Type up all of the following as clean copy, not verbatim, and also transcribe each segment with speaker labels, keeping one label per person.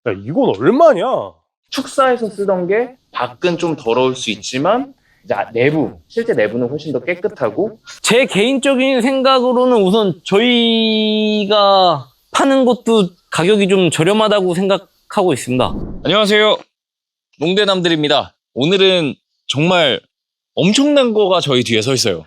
Speaker 1: 야, 이건 얼마냐?
Speaker 2: 축사에서 쓰던 게 밖은 좀 더러울 수 있지만 이제 실제 내부는 훨씬 더 깨끗하고.
Speaker 3: 제 개인적인 생각으로는 우선 저희가 파는 것도 가격이 좀 저렴하다고 생각하고 있습니다.
Speaker 4: 안녕하세요. 농대남들입니다. 오늘은 정말 엄청난 거가 저희 뒤에 서 있어요.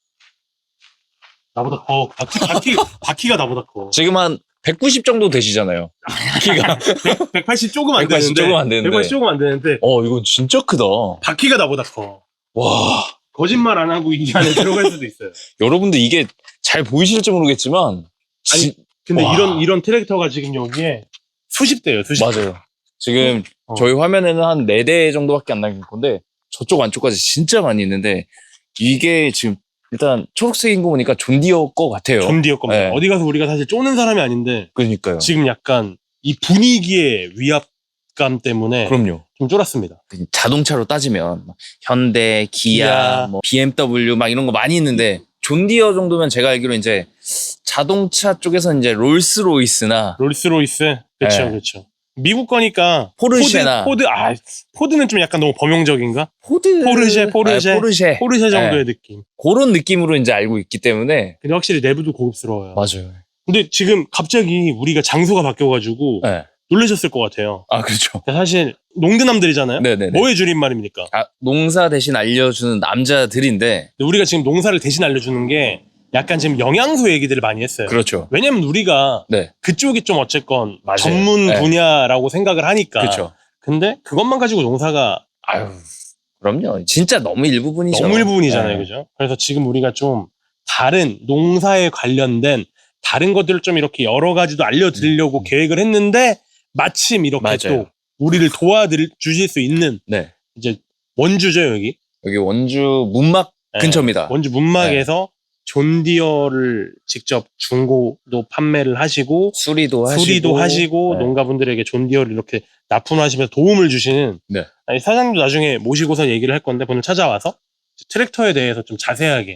Speaker 1: 나보다 커. 바퀴가 나보다 커.
Speaker 4: 지금 한 190 정도 되시잖아요. 키가.
Speaker 1: 180 조금 안
Speaker 4: 180
Speaker 1: 되는데.
Speaker 4: 조금 안 되는데.
Speaker 1: 180 조금 안 되는데.
Speaker 4: 이건 진짜 크다.
Speaker 1: 바퀴가 나보다 커.
Speaker 4: 와.
Speaker 1: 거짓말 안 하고 이 안에 들어갈 수도 있어요.
Speaker 4: 여러분들 이게 잘 보이실지 모르겠지만.
Speaker 1: 근데
Speaker 4: 와.
Speaker 1: 이런 트랙터가 지금 여기에 수십 대예요, 수십 대.
Speaker 4: 맞아요. 지금 저희 화면에는 한 4대 정도밖에 안 남긴 건데 저쪽 안쪽까지 진짜 많이 있는데 이게 지금 일단 초록색인 거 보니까 존디어 거 같아요.
Speaker 1: 존디어 겁니다.
Speaker 4: 네.
Speaker 1: 어디 가서 우리가 사실 쪼는 사람이 아닌데
Speaker 4: 그러니까요.
Speaker 1: 지금 약간 이 분위기의 위압감 때문에
Speaker 4: 그럼요.
Speaker 1: 좀 쫄았습니다.
Speaker 4: 자동차로 따지면 막 현대, 기아,
Speaker 1: 기아.
Speaker 4: 뭐 BMW 막 이런 거 많이 있는데 존디어 정도면 제가 알기로 이제 자동차 쪽에서 이제 롤스로이스나
Speaker 1: 롤스로이스. 그렇죠,
Speaker 4: 네.
Speaker 1: 그렇죠. 미국 거니까
Speaker 4: 포르쉐나
Speaker 1: 포드는 좀 약간 너무 범용적인가?
Speaker 4: 포르쉐
Speaker 1: 포르쉐 정도의 느낌.
Speaker 4: 그런 느낌으로 이제 알고 있기 때문에
Speaker 1: 근데 확실히 내부도 고급스러워요.
Speaker 4: 맞아요.
Speaker 1: 근데 지금 갑자기 우리가 장소가 바뀌어가지고
Speaker 4: 네.
Speaker 1: 놀라셨을 것 같아요.
Speaker 4: 아 그렇죠.
Speaker 1: 사실 농드남들이잖아요.
Speaker 4: 네네네.
Speaker 1: 뭐의 줄임말입니까?
Speaker 4: 농사 대신 알려주는 남자들인데
Speaker 1: 근데 우리가 지금 농사를 대신 알려주는 게 약간 지금 영양소 얘기들을 많이 했어요.
Speaker 4: 그렇죠.
Speaker 1: 왜냐면 우리가
Speaker 4: 네.
Speaker 1: 그쪽이 좀 어쨌건
Speaker 4: 맞아요.
Speaker 1: 전문
Speaker 4: 네.
Speaker 1: 분야라고 생각을 하니까.
Speaker 4: 그렇죠.
Speaker 1: 근데 그것만 가지고 농사가
Speaker 4: 아유 그럼요. 진짜 너무 일부분이죠.
Speaker 1: 너무 일부분이잖아요.
Speaker 4: 네.
Speaker 1: 그죠? 그래서 지금 우리가 좀 다른 농사에 관련된 다른 것들을 좀 이렇게 여러 가지도 알려드리려고 계획을 했는데 마침 이렇게
Speaker 4: 맞아요.
Speaker 1: 또 우리를 도와주실 수 있는
Speaker 4: 네.
Speaker 1: 이제 원주죠, 여기.
Speaker 4: 여기 원주 문막
Speaker 1: 네.
Speaker 4: 근처입니다.
Speaker 1: 원주 문막에서 존디어를 직접 중고도 판매를 하시고
Speaker 4: 수리도
Speaker 1: 하시고
Speaker 4: 네.
Speaker 1: 농가분들에게 존디어를 이렇게 납품하시면서 도움을 주시는
Speaker 4: 네.
Speaker 1: 아니, 사장님도 나중에 모시고서 얘기를 할 건데 오늘 찾아와서 트랙터에 대해서 좀 자세하게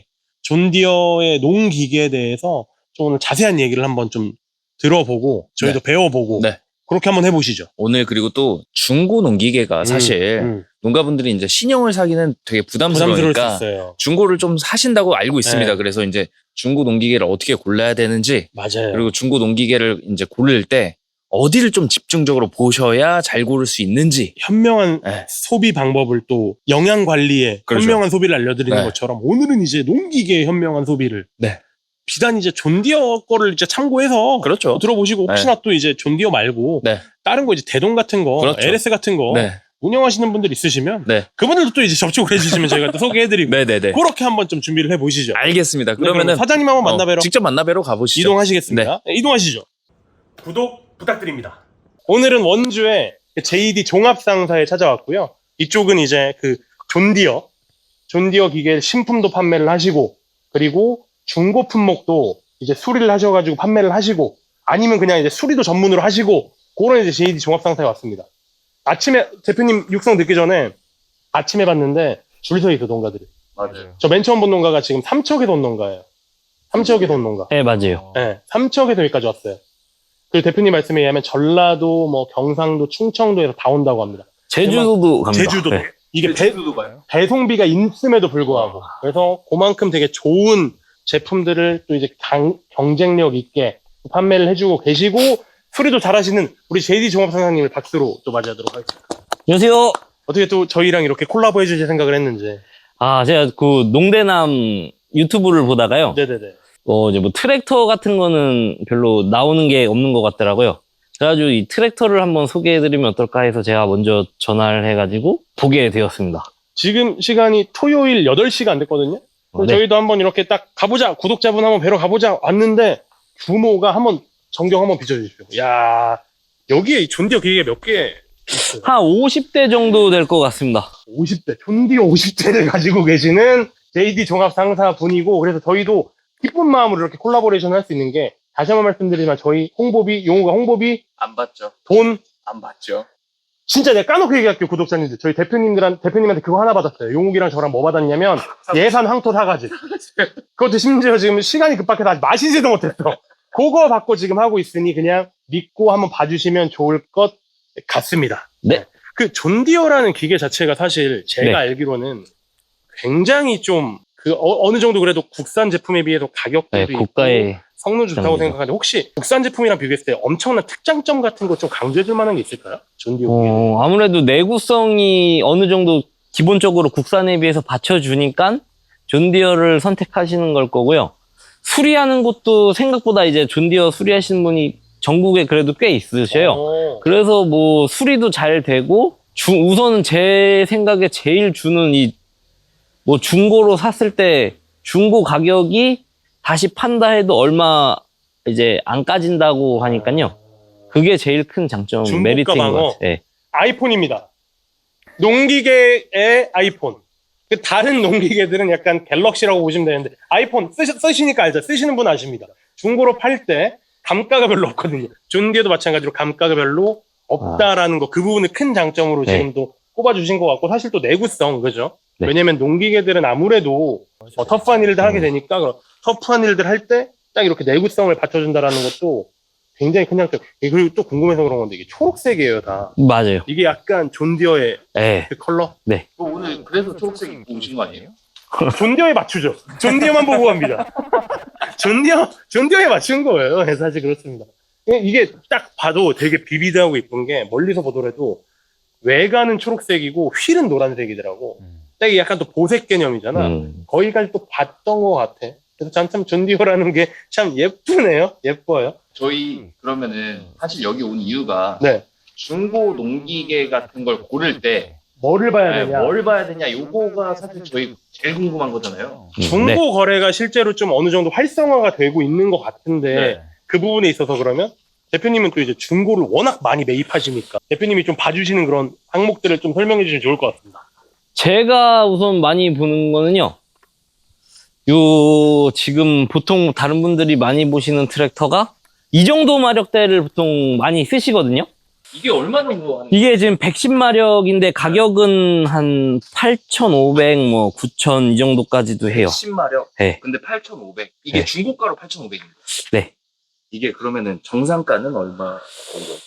Speaker 1: 존디어의 농기계에 대해서 좀 오늘 자세한 얘기를 한번 좀 들어보고 저희도 배워보고
Speaker 4: 네.
Speaker 1: 그렇게 한번 해보시죠.
Speaker 4: 오늘 그리고 또 중고 농기계가 사실 농가분들이 이제 신형을 사기는 되게
Speaker 1: 부담스러울 수
Speaker 4: 부담스러우니까
Speaker 1: 있어요.
Speaker 4: 중고를 좀 사신다고 알고 있습니다.
Speaker 1: 네.
Speaker 4: 그래서 이제 중고 농기계를 어떻게 골라야 되는지
Speaker 1: 맞아요.
Speaker 4: 그리고 중고 농기계를 이제 고를 때 어디를 좀 집중적으로 보셔야 잘 고를 수 있는지
Speaker 1: 현명한
Speaker 4: 네.
Speaker 1: 소비 방법을 또 영양 관리에
Speaker 4: 그렇죠.
Speaker 1: 현명한 소비를 알려드리는
Speaker 4: 네.
Speaker 1: 것처럼 오늘은 이제 농기계의 현명한 소비를
Speaker 4: 네.
Speaker 1: 비단 이제 존디어 거를 이제 참고해서
Speaker 4: 그렇죠.
Speaker 1: 들어보시고 혹시나 또 이제 존디어 말고
Speaker 4: 네.
Speaker 1: 다른 거 이제 대동 같은 거,
Speaker 4: 그렇죠.
Speaker 1: LS 같은 거
Speaker 4: 네.
Speaker 1: 운영하시는 분들 있으시면
Speaker 4: 네.
Speaker 1: 그분들도 또 이제 접촉을 해주시면 저희가 또 소개해드리고
Speaker 4: 네네네.
Speaker 1: 그렇게 한번 좀 준비를 해보시죠.
Speaker 4: 알겠습니다.
Speaker 1: 네, 그러면
Speaker 4: 그러면은
Speaker 1: 사장님 한번 만나뵈러
Speaker 4: 직접 만나뵈러 가보시죠.
Speaker 1: 이동하시겠습니다. 네, 이동하시죠. 구독 부탁드립니다. 오늘은 원주의 JD 종합상사에 찾아왔고요. 이쪽은 이제 그 존디어 기계 신품도 판매를 하시고 그리고 중고 품목도 이제 수리를 하셔가지고 판매를 하시고 아니면 그냥 이제 수리도 전문으로 하시고 그런 이제 JD 종합상사에 왔습니다. 아침에 대표님 육성 듣기 전에 아침에 봤는데 줄 서 있어 농가들이.
Speaker 2: 맞아요.
Speaker 1: 저 맨 처음 본 농가가 지금 삼척에서 온 농가예요. 삼척에서 온 농가.
Speaker 3: 네, 맞아요.
Speaker 1: 네, 삼척에서 여기까지 왔어요. 그 대표님 말씀에 의하면 전라도, 뭐 경상도, 충청도에서 다 온다고 합니다.
Speaker 3: 제주도도 갑니다.
Speaker 1: 제주도도.
Speaker 3: 네.
Speaker 1: 이게
Speaker 2: 제주도도 가요?
Speaker 1: 배송비가 있음에도 불구하고. 그래서 그만큼 되게 좋은 제품들을 또 이제 경쟁력 있게 판매를 해주고 계시고 수리도 잘하시는 우리 JD 종합상사님을 박수로 또 맞이하도록 하겠습니다.
Speaker 3: 안녕하세요.
Speaker 1: 어떻게 또 저희랑 이렇게 콜라보 해주실 생각을 했는지.
Speaker 3: 제가 그 농대남 유튜브를 보다가요.
Speaker 1: 네네네.
Speaker 3: 이제 뭐 트랙터 같은 거는 별로 나오는 게 없는 것 같더라고요. 그래가지고 이 트랙터를 한번 소개해드리면 어떨까 해서 제가 먼저 전화를 해가지고 보게 되었습니다.
Speaker 1: 지금 시간이 토요일 8시가 안 됐거든요. 그럼
Speaker 3: 네.
Speaker 1: 저희도 한번 이렇게 딱 가보자. 구독자분 한번 뵈러 가보자. 왔는데 규모가 한번 전경 한번 비춰주십시오. 야 여기에 이 존디어 기계가 몇 개 있어요?
Speaker 3: 한 50대 정도 될 것 같습니다.
Speaker 1: 50대. 존디어 50대를 가지고 계시는 JD 종합 상사 분이고 그래서 저희도 기쁜 마음으로 이렇게 콜라보레이션을 할 수 있는 게 다시 한번 말씀드리지만 저희 홍보비, 용호가 홍보비,
Speaker 2: 안 받죠.
Speaker 1: 돈
Speaker 2: 안 받죠.
Speaker 1: 진짜 내가 까놓고 얘기할게요, 구독자님들. 저희 대표님한테 그거 하나 받았어요. 용욱이랑 저랑 뭐 받았냐면 예산 황토 사가지. 그것도 심지어 지금 시간이 급박해서 아직 마시지도 못했어. 그거 받고 지금 하고 있으니 그냥 믿고 한번 봐주시면 좋을 것 같습니다.
Speaker 3: 네.
Speaker 1: 그 존디어라는 기계 자체가 사실 제가
Speaker 3: 네.
Speaker 1: 알기로는 굉장히 좀 어느 정도 그래도 국산 제품에 비해서 가격대도
Speaker 3: 네,
Speaker 1: 있고
Speaker 3: 고가의
Speaker 1: 성능 좋다고
Speaker 3: 장비죠.
Speaker 1: 생각하는데 혹시 국산 제품이랑 비교했을 때 엄청난 특장점 같은 거 좀 강조해줄 만한 게 있을까요? 존디어 기계.
Speaker 3: 아무래도 내구성이 어느 정도 기본적으로 국산에 비해서 받쳐주니까 존디어를 선택하시는 걸 거고요. 수리하는 곳도 생각보다 이제 존디어 수리하시는 분이 전국에 그래도 꽤 있으셔요. 그래서 뭐 수리도 잘 되고 우선은 제 생각에 제일 주는 뭐 중고로 샀을 때 중고 가격이 다시 판다 해도 얼마 이제 안 까진다고 하니까요. 그게 제일 큰 장점
Speaker 1: 중고가
Speaker 3: 메리트인
Speaker 1: 방어.
Speaker 3: 것 같아요. 예.
Speaker 1: 아이폰입니다. 농기계의 아이폰. 그 다른 농기계들은 약간 갤럭시라고 보시면 되는데 아이폰 쓰시니까 알죠? 쓰시는 분 아십니다. 중고로 팔 때 감가가 별로 없거든요. 존디어도 마찬가지로 감가가 별로 없다라는 거, 그 부분을 큰 장점으로
Speaker 3: 네.
Speaker 1: 지금 또 꼽아주신 것 같고, 사실 또 내구성, 그죠?
Speaker 3: 네.
Speaker 1: 왜냐면 농기계들은 아무래도 터프한 일들 하게 되니까 터프한 일들 할 때 딱 이렇게 내구성을 받쳐준다라는 것도 굉장히 큰 장점. 그리고 또 궁금해서 그런 건데 이게 초록색이에요, 다.
Speaker 3: 맞아요.
Speaker 1: 이게 약간 존디어의
Speaker 3: 예.
Speaker 1: 그 컬러?
Speaker 2: 오늘 그래서 초록색 입고 오신 거 아니에요?
Speaker 1: 존디어에 맞추죠. 존디어만 보고 갑니다. 존디어에 맞춘 거예요. 네, 사실 그렇습니다. 이게 딱 봐도 되게 비비드하고 이쁜 게 멀리서 보더라도 외관은 초록색이고 휠은 노란색이더라고. 딱 이게 약간 또 보색 개념이잖아. 거기까지 또 봤던 것 같아. 그래서 참 존디어라는 게 참 예쁘네요. 예뻐요.
Speaker 2: 저희 그러면은 사실 여기 온 이유가
Speaker 1: 네.
Speaker 2: 중고 농기계 같은 걸 고를 때
Speaker 1: 뭐를 봐야 되냐.
Speaker 2: 뭘 봐야 되냐 요거가 사실 저희 제일 궁금한 거잖아요.
Speaker 1: 중고
Speaker 3: 네.
Speaker 1: 거래가 실제로 좀 어느 정도 활성화가 되고 있는 것 같은데
Speaker 2: 네.
Speaker 1: 그 부분에 있어서 그러면 대표님은 또 이제 중고를 워낙 많이 매입하시니까 대표님이 좀 봐주시는 그런 항목들을 좀 설명해 주시면 좋을 것 같습니다.
Speaker 3: 제가 우선 많이 보는 거는요. 지금 보통 다른 분들이 많이 보시는 트랙터가 이 정도 마력대를 보통 많이 쓰시거든요.
Speaker 2: 이게 얼마 정도 하는
Speaker 3: 이게 지금 110마력인데 가격은 한 8,500, 뭐 9,000 이 정도까지도 해요.
Speaker 2: 10마력.
Speaker 3: 네.
Speaker 2: 근데 8,500. 이게
Speaker 3: 네.
Speaker 2: 중고가로 8,500입니다.
Speaker 3: 네.
Speaker 2: 이게 그러면은 정상가는 얼마 정도?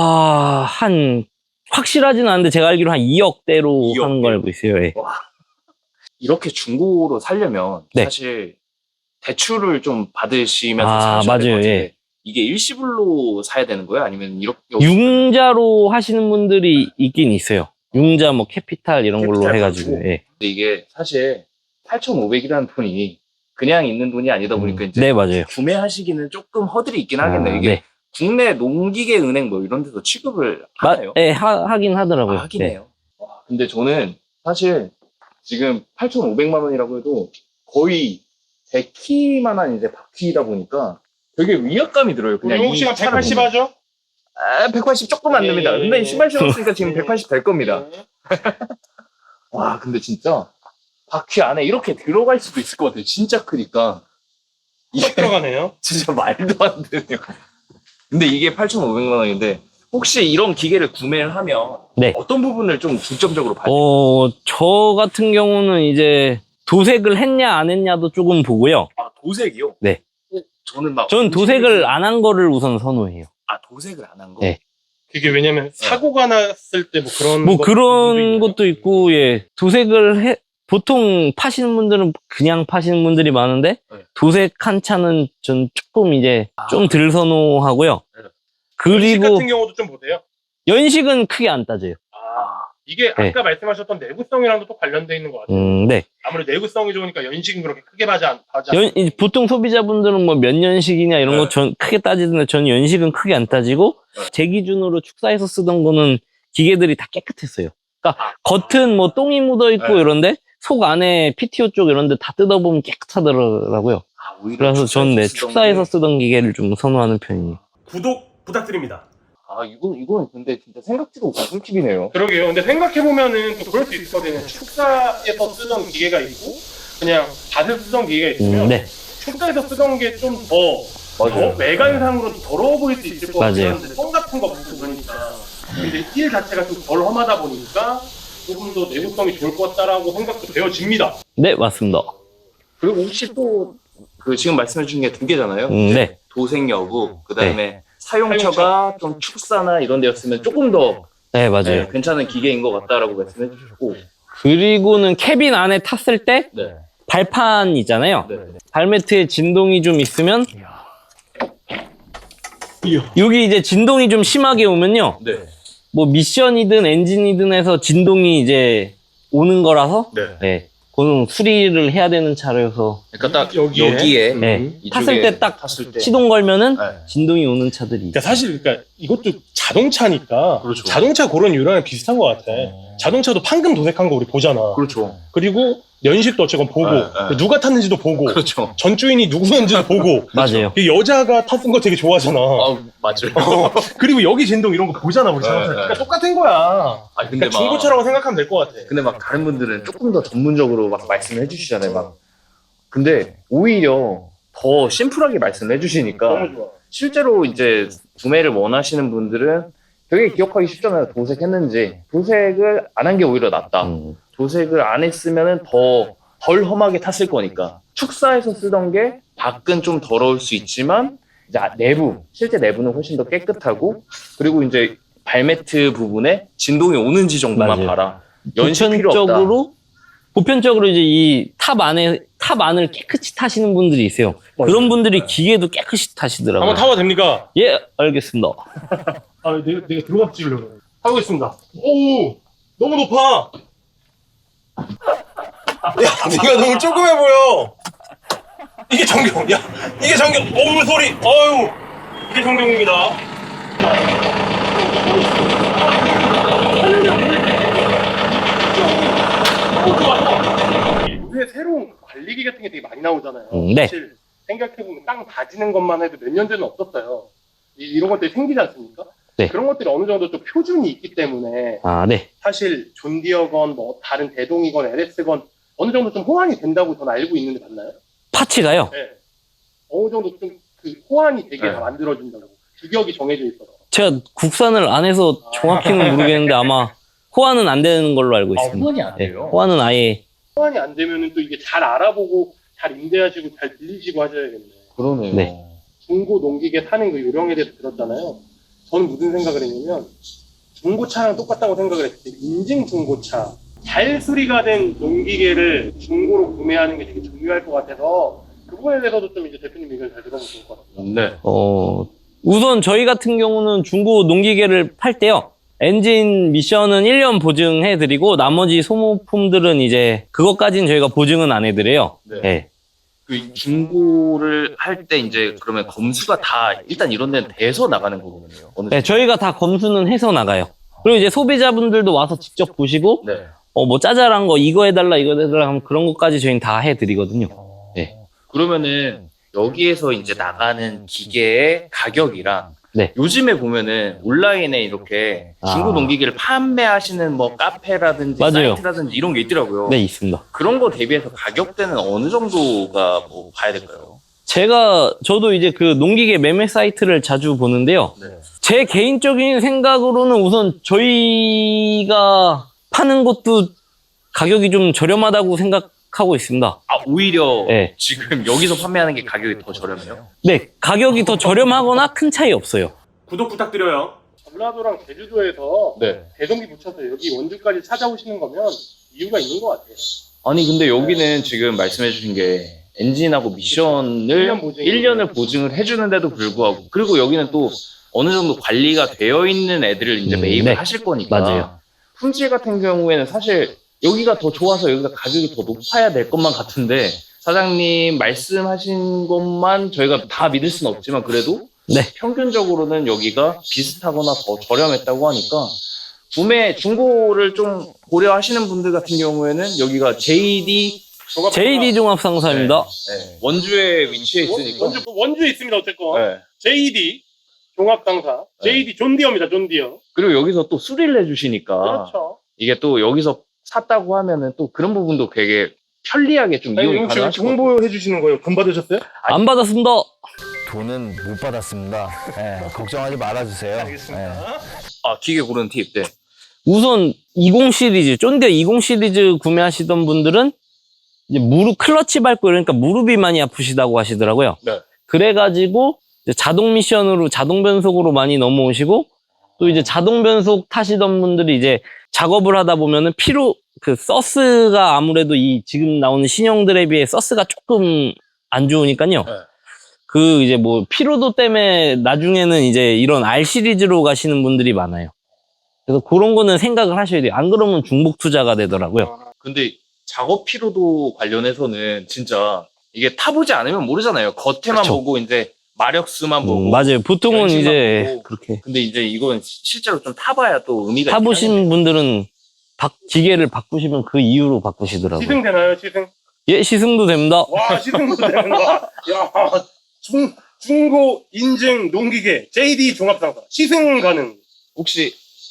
Speaker 3: 확실하진 않은데 제가 알기로 한 2억대로
Speaker 2: 2억
Speaker 3: 하는 거 알고 있어요. 예.
Speaker 2: 이렇게 중고로 살려면
Speaker 3: 네.
Speaker 2: 사실 대출을 좀 받으시면서 사셔야 될
Speaker 3: 맞아요.
Speaker 2: 것 같은데
Speaker 3: 예.
Speaker 2: 이게 일시불로 사야 되는 거예요? 아니면 이렇게
Speaker 3: 융자로 하시는 분들이 있긴 있어요. 융자 뭐 캐피탈 이런 걸로
Speaker 2: 캐피탈
Speaker 3: 해가지고.
Speaker 2: 가지고.
Speaker 3: 예.
Speaker 2: 근데 이게 사실 8,500이라는 돈이 그냥 있는 돈이 아니다 보니까 이제
Speaker 3: 네, 맞아요.
Speaker 2: 구매하시기는 조금 허들이 있긴 하겠네요. 이게
Speaker 3: 네.
Speaker 2: 국내 농기계 은행 뭐 이런 데서 취급을 하나요?
Speaker 3: 예, 하긴 하더라고요.
Speaker 2: 하긴
Speaker 3: 네.
Speaker 2: 해요. 와, 근데 저는 사실 지금 8,500만 원이라고 해도 거의 100키만한 이제 바퀴다 보니까 되게 위압감이 들어요. 그냥
Speaker 1: 우리 혹시가
Speaker 2: 이 차를
Speaker 1: 180
Speaker 2: 보면.
Speaker 1: 하죠?
Speaker 2: 180 조금 안 됩니다. 근데 신발 신었으니까 지금 180 될 겁니다.
Speaker 1: 네.
Speaker 2: 와, 근데 진짜 바퀴 안에 이렇게 들어갈 수도 있을 것 같아요. 진짜 크니까. 이게
Speaker 1: 쏙 들어가네요.
Speaker 2: 진짜 말도 안 되네요. 근데 이게 8,500만 원인데 혹시 이런 기계를 구매를 하면
Speaker 3: 네.
Speaker 2: 어떤 부분을 좀 중점적으로 봐야 돼요?
Speaker 3: 저 같은 경우는 이제 도색을 했냐 안 했냐도 조금 보고요.
Speaker 2: 아, 도색이요?
Speaker 3: 네.
Speaker 2: 저는 막
Speaker 3: 저는 도색을 안 한 거를 우선 선호해요.
Speaker 2: 아, 도색을 안 한 거?
Speaker 3: 네.
Speaker 1: 그게 왜냐면 사고가 났을 때 뭐 그런
Speaker 3: 뭐
Speaker 1: 것도
Speaker 3: 그런
Speaker 1: 있나요?
Speaker 3: 것도 있고, 예. 보통 파시는 분들은 그냥 파시는 분들이 많은데,
Speaker 2: 네.
Speaker 3: 도색한 차는 전 조금 이제 좀 덜 선호하고요.
Speaker 1: 네. 연식
Speaker 3: 그리고
Speaker 1: 같은 경우도 좀 보세요.
Speaker 3: 연식은 크게 안 따져요.
Speaker 1: 이게
Speaker 3: 네.
Speaker 1: 아까 말씀하셨던 내구성이랑도 또 관련돼 있는 것 같아요.
Speaker 3: 네.
Speaker 1: 아무래도 내구성이 좋으니까 연식은 그렇게 크게 하지 않.
Speaker 3: 보통 소비자분들은 뭐 몇 년식이냐 이런
Speaker 1: 네.
Speaker 3: 거 전 크게 따지는데 저는 연식은 크게 안 따지고
Speaker 2: 네.
Speaker 3: 제 기준으로 축사에서 쓰던 거는 기계들이 다 깨끗했어요. 그러니까 겉은 뭐 똥이 묻어 있고
Speaker 1: 네.
Speaker 3: 이런데 속 안에 PTO 쪽 이런 데 다 뜯어보면 깨끗하더라고요.
Speaker 2: 아, 오히려
Speaker 3: 그래서 저는
Speaker 2: 쓰던
Speaker 3: 축사에서
Speaker 2: 게-
Speaker 3: 쓰던 기계를 좀 선호하는 편이에요.
Speaker 1: 구독 부탁드립니다.
Speaker 2: 아, 이건 근데 진짜 생각지도 못한 팁이네요.
Speaker 1: 그러게요. 근데 생각해보면은 또 그럴 수 있거든요. 축사에서 쓰던 기계가 있고, 그냥 밭에서 쓰던 기계가 있으면,
Speaker 3: 네.
Speaker 1: 축사에서 쓰던 게 좀 더 외관상으로 더러워 보일 수 있을 것 같긴
Speaker 3: 맞아요.
Speaker 1: 한데, 똥 같은 거 묻고 그러니까. 근데 일 자체가 좀 덜 험하다 보니까, 조금 더 내구성이 좋을 것 같다라고 생각도 되어집니다.
Speaker 3: 네, 맞습니다.
Speaker 2: 그리고 혹시 또 그 지금 말씀해 주신 게 두 개잖아요.
Speaker 3: 네.
Speaker 2: 도색 여부, 그 다음에 사용처가 좀 축사나 이런 데였으면 조금 더
Speaker 3: 네, 맞아요.
Speaker 2: 네, 괜찮은 기계인 것 같다라고 말씀해 주셨고.
Speaker 3: 그리고는 캐빈 안에 탔을 때
Speaker 2: 네.
Speaker 3: 발판 있잖아요.
Speaker 2: 네.
Speaker 3: 발매트에 진동이 좀 있으면 여기 이제 진동이 좀 심하게 오면요.
Speaker 2: 네.
Speaker 3: 뭐 미션이든 엔진이든 해서 진동이 이제 오는 거라서
Speaker 2: 네.
Speaker 3: 네. 그거는 수리를 해야 되는 차라서
Speaker 2: 그러니까 딱
Speaker 1: 여기에?
Speaker 2: 여기에
Speaker 3: 네.
Speaker 2: 이쪽에
Speaker 3: 탔을 때 딱
Speaker 2: 탔을 때.
Speaker 3: 시동 걸면은
Speaker 2: 네.
Speaker 3: 진동이 오는 차들이
Speaker 1: 그러니까
Speaker 3: 있어요.
Speaker 1: 사실 그러니까 이것도 자동차니까
Speaker 2: 그렇죠.
Speaker 1: 자동차 그런 유형이랑 비슷한 것 같아. 자동차도 판금 도색한 거 우리 보잖아.
Speaker 2: 그렇죠.
Speaker 1: 그리고 연식도 어쨌건 보고
Speaker 2: 네, 네.
Speaker 1: 누가 탔는지도 보고
Speaker 2: 그렇죠.
Speaker 1: 전주인이 누구였는지도 보고
Speaker 3: 맞아요.
Speaker 1: 그 여자가 탔은 거 되게 좋아하잖아.
Speaker 2: 맞아요.
Speaker 1: 그리고 여기 진동 이런 거 보잖아 우리 자동차.
Speaker 2: 네, 네.
Speaker 1: 그러니까 똑같은 거야.
Speaker 2: 아 근데
Speaker 1: 그러니까 중고차라고 생각하면 될 것 같아.
Speaker 2: 근데 막 다른 분들은 조금 더 전문적으로 막 말씀을 해주시잖아요. 막 근데 오히려 더 심플하게 말씀을 해주시니까
Speaker 1: 너무 좋아.
Speaker 2: 실제로 이제 구매를 원하시는 분들은 되게 기억하기 쉽잖아요. 도색했는지. 도색을 안 한 게 오히려 낫다. 도색을 안 했으면은 덜 험하게 탔을 거니까. 축사에서 쓰던 게 밖은 좀 더러울 수 있지만 이제 실제 내부는 훨씬 더 깨끗하고 그리고 이제 발매트 부분에 진동이 오는지 정도만
Speaker 3: 맞아요.
Speaker 2: 봐라. 연식 필요 없다.
Speaker 3: 보편적으로 이제 이 탑 안을 깨끗이 타시는 분들이 있어요. 그런 분들이 기계도 깨끗이 타시더라고요.
Speaker 1: 한번 타봐도 됩니까?
Speaker 3: 예, 알겠습니다.
Speaker 1: 아, 내가 들어가 찍으려고. 타고 있습니다. 오, 너무 높아. 야, 네가 너무 조그매 보여. 이게 정경. 야, 이게 정경. 어우 소리. 어유, 이게 정경입니다. 요새 새로운 관리기 같은 게 되게 많이 나오잖아요.
Speaker 3: 네.
Speaker 1: 사실 생각해보면 땅 다지는 것만 해도 몇 년 전은 없었어요. 이런 것들이 생기지 않습니까?
Speaker 3: 네.
Speaker 1: 그런 것들이 어느 정도 좀 표준이 있기 때문에
Speaker 3: 아, 네.
Speaker 1: 사실 존디어건 뭐 다른 대동이건 LS건 어느 정도 좀 호환이 된다고 저는 알고 있는데 맞나요?
Speaker 3: 파츠가요.
Speaker 1: 네. 어느 정도 좀 그 호환이 되게
Speaker 2: 네.
Speaker 1: 다 만들어진다고 규격이 정해져 있어서.
Speaker 3: 제가 국산을 안 해서 정확히는 모르겠는데 아마 호환은 안 되는 걸로 알고 있습니다.
Speaker 2: 호환이 안
Speaker 3: 네,
Speaker 2: 돼요.
Speaker 3: 호환은 아예
Speaker 1: 호환이 안 되면은 또 이게 잘 알아보고 잘 임대하시고 잘 빌리시고 하셔야겠네.
Speaker 2: 그러네요.
Speaker 3: 네.
Speaker 1: 중고 농기계 사는 그 요령에 대해서 들었잖아요. 저는 무슨 생각을 했냐면 중고차랑 똑같다고 생각을 했을 때 인증 중고차 잘 수리가 된 농기계를 중고로 구매하는 게 되게 중요할 것 같아서 그 부분에 대해서도 좀 이제 대표님 의견 잘 들어보면 좋을 것 같아요.
Speaker 2: 네.
Speaker 3: 우선 저희 같은 경우는 중고 농기계를 팔 때요. 엔진 미션은 1년 보증해드리고 나머지 소모품들은 이제 그것까지는 저희가 보증은 안 해드려요.
Speaker 2: 네.
Speaker 3: 네.
Speaker 2: 그 중고를 할 때 이제 그러면 검수가 다 일단 이런 데는 돼서 나가는 거거든요. 어느
Speaker 3: 네, 저희가 다 검수는 해서 나가요. 그리고 이제 소비자분들도 와서 직접 보시고
Speaker 2: 네.
Speaker 3: 뭐 짜잘한 거 이거 해달라 하면 그런 것까지 저희는 다 해드리거든요. 네.
Speaker 2: 그러면은 여기에서 이제 나가는 기계의 가격이랑
Speaker 3: 네.
Speaker 2: 요즘에 보면은 온라인에 이렇게 중고 농기계를 판매하시는 뭐 카페라든지
Speaker 3: 맞아요.
Speaker 2: 사이트라든지 이런 게 있더라고요.
Speaker 3: 네, 있습니다.
Speaker 2: 그런 거 대비해서 가격대는 어느 정도가 뭐 봐야 될까요?
Speaker 3: 저도 이제 그 농기계 매매 사이트를 자주 보는데요.
Speaker 2: 네.
Speaker 3: 제 개인적인 생각으로는 우선 저희가 파는 것도 가격이 좀 저렴하다고 생각하고 있습니다.
Speaker 2: 아, 오히려
Speaker 3: 네.
Speaker 2: 지금 여기서 판매하는 게 가격이 더 저렴해요?
Speaker 3: 네, 가격이 더 저렴하거나 큰 차이 없어요.
Speaker 1: 구독 부탁드려요. 전라도랑 제주도에서
Speaker 2: 네.
Speaker 1: 대동기 붙여서 여기 원주까지 찾아오시는 거면 이유가 있는 것 같아요.
Speaker 2: 아니 근데 여기는 지금 말씀해 주신 게 엔진하고 미션을
Speaker 1: 1년 보증이
Speaker 2: 1년을 보증을 해주는데도 불구하고 그리고 여기는 또 어느 정도 관리가 되어 있는 애들을 이제 매입을
Speaker 3: 네.
Speaker 2: 하실 거니까
Speaker 3: 맞아요.
Speaker 2: 품질 같은 경우에는 사실 여기가 더 좋아서 여기가 가격이 더 높아야 될 것만 같은데 사장님 말씀하신 것만 저희가 다 믿을 수는 없지만 그래도
Speaker 3: 네.
Speaker 2: 평균적으로는 여기가 비슷하거나 더 저렴했다고 하니까 구매 중고를 좀 고려하시는 분들 같은 경우에는 여기가 JD
Speaker 3: 종합상사입니다.
Speaker 2: 네, 원주에 위치해 있으니까
Speaker 1: 원주에 있습니다. 어쨌건
Speaker 2: 네.
Speaker 1: JD 종합상사, JD 존디어입니다. 존디어.
Speaker 2: 그리고 여기서 또 수리를 해주시니까
Speaker 1: 그렇죠.
Speaker 2: 이게 또 여기서 샀다고 하면은 또 그런 부분도 되게 편리하게 좀 이용이
Speaker 1: 혹시
Speaker 2: 가능하실 것 같아요.
Speaker 1: 홍보해 주시는 거예요? 돈 받으셨어요?
Speaker 3: 안 받았습니다.
Speaker 5: 돈은 못 받았습니다. 예, 걱정하지 말아주세요.
Speaker 1: 알겠습니다.
Speaker 2: 아 기계 고르는 팁. 네.
Speaker 3: 우선 20 시리즈, 쫀디어 20 시리즈 구매하시던 분들은 이제 클러치 밟고 이러니까 무릎이 많이 아프시다고 하시더라고요.
Speaker 2: 네.
Speaker 3: 그래가지고 이제 자동 미션으로 자동 변속으로 많이 넘어오시고 또 이제 자동 변속 타시던 분들이 이제 작업을 하다 보면은 그 서스가 아무래도 이 지금 나오는 신형들에 비해 서스가 조금 안 좋으니까요.
Speaker 1: 네.
Speaker 3: 그 이제 뭐 피로도 때문에 나중에는 이제 이런 R 시리즈로 가시는 분들이 많아요. 그래서 그런 거는 생각을 하셔야 돼요. 안 그러면 중복 투자가 되더라고요.
Speaker 2: 근데 작업 피로도 관련해서는 진짜 이게 타보지 않으면 모르잖아요. 겉에만
Speaker 3: 그쵸.
Speaker 2: 보고 이제 마력수만 보고.
Speaker 3: 맞아요. 보통은
Speaker 2: 연식만
Speaker 3: 이제
Speaker 2: 보고.
Speaker 3: 그렇게
Speaker 2: 근데 이제 이건 실제로 좀 타봐야 또 의미가
Speaker 3: 타보신 분들은 기계를 바꾸시면 그 이유로 바꾸시더라고요.
Speaker 1: 시승 되나요, 시승?
Speaker 3: 예, 시승도 됩니다.
Speaker 1: 와, 시승도 되는 거. 야, 중고 인증 농기계 JD 종합상사 시승 가능.
Speaker 2: 혹시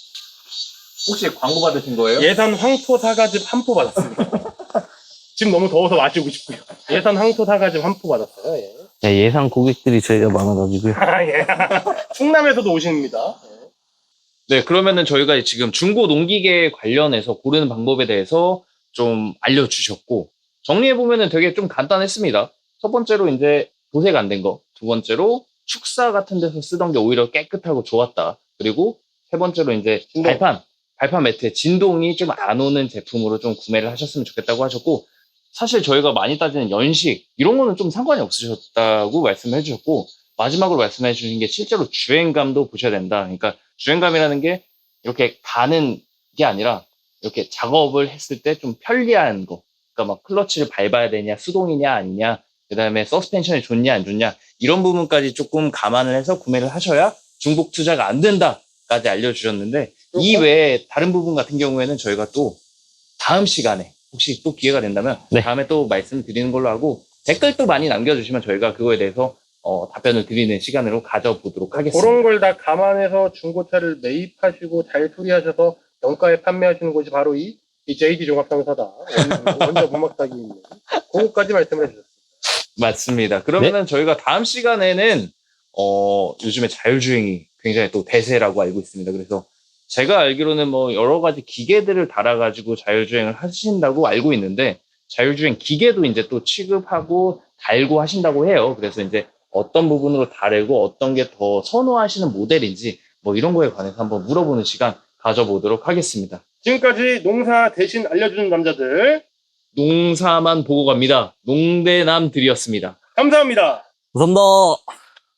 Speaker 2: 광고 받으신 거예요?
Speaker 1: 예산 황토 사과즙 한 포 받았습니다. 지금 너무 더워서 마시고 싶고요. 예산 황토 사과즙 한 포 받았어요. 예.
Speaker 3: 야, 예상 고객들이 저희가 많아가지고요.
Speaker 1: 아, 예. 충남에서도 오십니다.
Speaker 2: 네, 그러면은 저희가 지금 중고 농기계 관련해서 고르는 방법에 대해서 좀 알려주셨고, 정리해보면은 되게 좀 간단했습니다. 첫 번째로 이제 도색 안 된 거, 두 번째로 축사 같은 데서 쓰던 게 오히려 깨끗하고 좋았다. 그리고 세 번째로 이제 발판 매트에 진동이 좀 안 오는 제품으로 좀 구매를 하셨으면 좋겠다고 하셨고, 사실 저희가 많이 따지는 연식, 이런 거는 좀 상관이 없으셨다고 말씀해 주셨고, 마지막으로 말씀해 주신 게 실제로 주행감도 보셔야 된다. 그러니까 주행감이라는 게 이렇게 가는 게 아니라 이렇게 작업을 했을 때 좀 편리한 거. 그러니까 막 클러치를 밟아야 되냐, 수동이냐 아니냐, 그 다음에 서스펜션이 좋냐 안 좋냐, 이런 부분까지 조금 감안을 해서 구매를 하셔야 중복 투자가 안 된다까지 알려주셨는데, 이 외에 다른 부분 같은 경우에는 저희가 또 다음 시간에 혹시 또 기회가 된다면
Speaker 3: 네.
Speaker 2: 다음에 또 말씀드리는 걸로 하고, 댓글도 많이 남겨주시면 저희가 그거에 대해서 답변을 드리는 시간으로 가져보도록 하겠습니다.
Speaker 1: 그런 걸 다 감안해서 중고차를 매입하시고 잘 수리하셔서 정가에 판매하시는 곳이 바로 이 JD 종합상사다. 원자 부막탁이 있는. 그거까지 말씀을 해주셨습니다.
Speaker 2: 맞습니다. 그러면은 저희가 다음 시간에는 요즘에 자율주행이 굉장히 또 대세라고 알고 있습니다. 그래서 제가 알기로는 뭐 여러 가지 기계들을 달아가지고 자율주행을 하신다고 알고 있는데, 자율주행 기계도 이제 또 취급하고 달고 하신다고 해요. 그래서 이제 어떤 부분으로 다르고 어떤 게 더 선호하시는 모델인지 뭐 이런 거에 관해서 한번 물어보는 시간 가져보도록 하겠습니다.
Speaker 1: 지금까지 농사 대신 알려주는 남자들
Speaker 2: 농사만 보고 갑니다. 농대남들이었습니다.
Speaker 1: 감사합니다.
Speaker 3: 감사합니다.